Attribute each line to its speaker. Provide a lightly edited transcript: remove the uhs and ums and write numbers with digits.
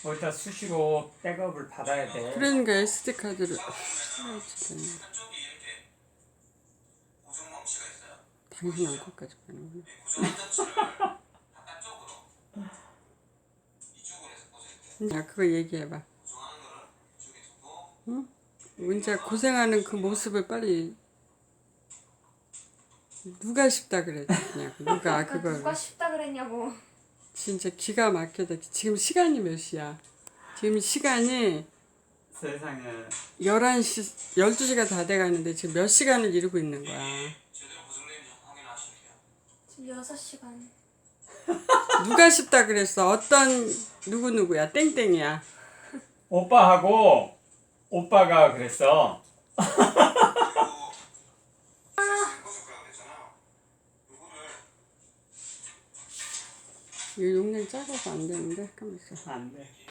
Speaker 1: 어디다 수시로 백업을 받아야 돼.
Speaker 2: 그러니까 SD카드를 사야지 되는. 당신은 거기까지 가는구나. 야, 그거 얘기해봐. 응? 문자 고생하는 그 모습을 빨리 누가 쉽다 그랬냐고. 누가 그걸.
Speaker 3: 누가 쉽다 그랬냐고.
Speaker 2: 진짜 기가 막혀다. 지금 시간이 몇 시야? 지금 시간이
Speaker 1: 세상에
Speaker 2: 11시, 12시가 다 돼가는데 지금 몇 시간을 이루고 있는 거야.
Speaker 3: 지금 6시간.
Speaker 2: 누가 쉽다 그랬어? 어떤 누구야? 땡땡이야.
Speaker 1: 오빠하고 오빠가 그랬어.
Speaker 2: 이 용량이 작아서 안 되는데. 잠깐만 있어.
Speaker 1: 안 돼.